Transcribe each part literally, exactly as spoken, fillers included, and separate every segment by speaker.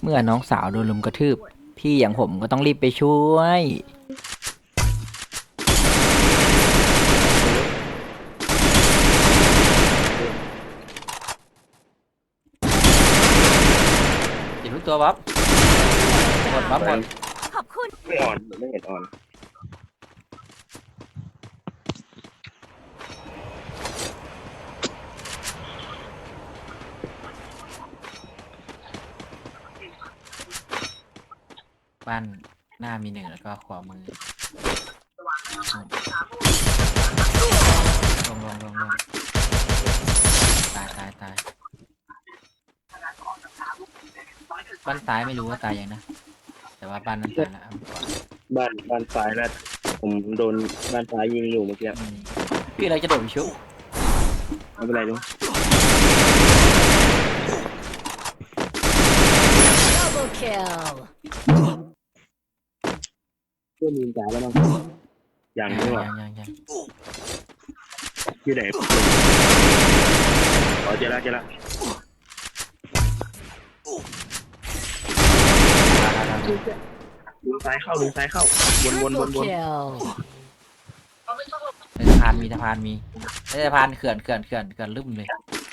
Speaker 1: เมื่อน้องสาวโดนลุมกระทืบพี่อย่างผมก็ต้องรีบไปช่วยอีกทุกตัวบ๊อบหมดบ๊อบหมด
Speaker 2: ขอบคุณ
Speaker 3: ไม่อ่อนไม่เห็นอ่อน
Speaker 1: บ้านหน้ามีหนึ่งแล้วก็ขวามือลงลงลงลงตายตายตายบ้านซ้ายไม่รู้ว่าตายยังนะแต่ว่าบ้านนั้นตายแล้ว
Speaker 3: บ้านบ้านซ้ายแล้วผมโดนบ้านซ้ายยิงอยู่เมื่อกี้
Speaker 1: พี่เราจะโดดไปชุบ
Speaker 3: ไม่เป็นไรลุง
Speaker 2: Double kill
Speaker 3: เพื่อนยิงจ่ายแล้วมั้งอย่างนี้ว่ะ
Speaker 1: ยังยังยัง
Speaker 3: อยู่ไหนอ๋อเจอแล้วเจอแล้วลุงซ้ายเข้าลุงซ้ายเข้าวนวนวนวน
Speaker 1: ในสะพานมีสะพานมีในสะพานเขื่อนเขื่อนเขื่อนเขื่อนลึ่มเลย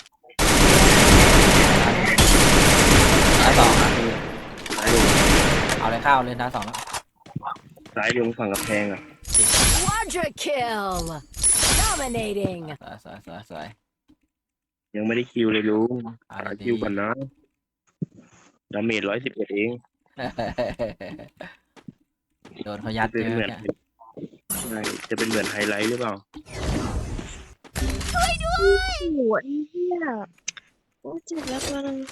Speaker 1: ท้ายสอง
Speaker 3: ซ้ายลุง
Speaker 1: เอาเลยเข้าเลยท้ายสองแล้ว
Speaker 3: ซ้ายลุงฝั่งกระแพงอ่ะ
Speaker 2: Quadra kill dominating
Speaker 1: สวยสวยสวยสวย
Speaker 3: ยังไม่ได้คิวเลยลุง
Speaker 1: เอา
Speaker 3: หา
Speaker 1: เลยดี
Speaker 3: คิวก่อนนะดาเมจร้อยสิบเอ็ดเอง
Speaker 1: โดนเขายัด
Speaker 3: จะ
Speaker 1: เย
Speaker 3: เป็นเหมื
Speaker 1: อะ
Speaker 3: อน
Speaker 1: เนี่ย
Speaker 3: ใช่จะเป็นเหมือนไฮไลท์หรือเปล่า
Speaker 4: โอ้โหไอ้เหี้ยโอ้เจ็บแล้วตัวนึง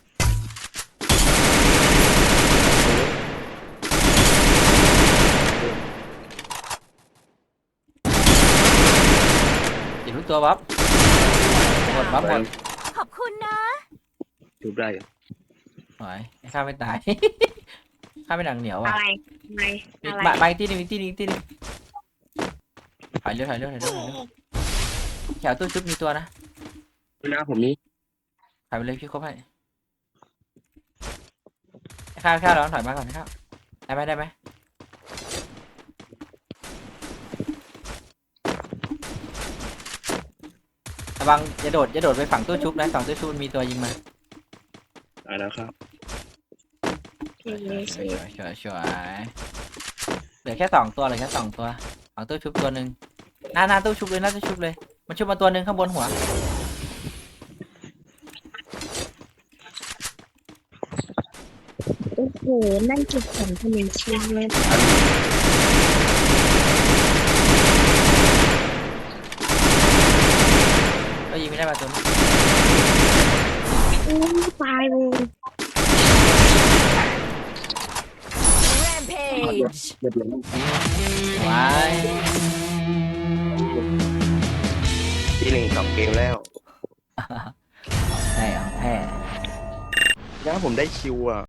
Speaker 1: อีกทุกตัวบ๊อบหมดบ๊อบหมด
Speaker 2: ขอบคุณนะ
Speaker 3: ถูกได้เหรอ
Speaker 1: หน่อยข้าไม่ตาย ข้าไม่หนังเหนียวอ่ะ
Speaker 4: อะไรอะไร
Speaker 1: อีก
Speaker 4: อะไร
Speaker 1: มาไปที่นึงอีกที่นึงอีกที่นึงถอยเร็วถอยเร็วถอยเร็วถอยเร็วแถวตู้ชุบมีตัวนะ
Speaker 3: หน้าผมนี่
Speaker 1: ถอยไปเลยพี่ครบให้ข้าวข้าวร้อนถอยมาก่อนนะครับได้ไหมได้ไหมระวังอย่าโดดอย่าโดดไปฝั่งตู้ชุบนะฝั่งตู้ชุบมันมีตัวยิงมา
Speaker 3: ตายแล้วครับ
Speaker 1: สวยสวยสวยสวยสวยเหลือแค่สองตัวเหลือแค่สองตัวฝั่งตู้ชุบตัวหนึ่งหน้าหน้าตู้ชุบเลยหน้าตู้ชุบเลยมันชุบมาตัวหนึ่งข้างบนหัว
Speaker 4: โอ้โหนั่นเก็บของขนมชิ้นเลย
Speaker 1: ก็ยิงไม่ได้มาตัวนี้
Speaker 4: อู้ตายเลย
Speaker 2: Rampage
Speaker 3: เรียบร้อย
Speaker 1: ว้าย
Speaker 3: ที่หนึ่งสองเกมแล้ว
Speaker 1: ได้เหรอแพ้
Speaker 3: ถ้าผมได้คิวอ่ะ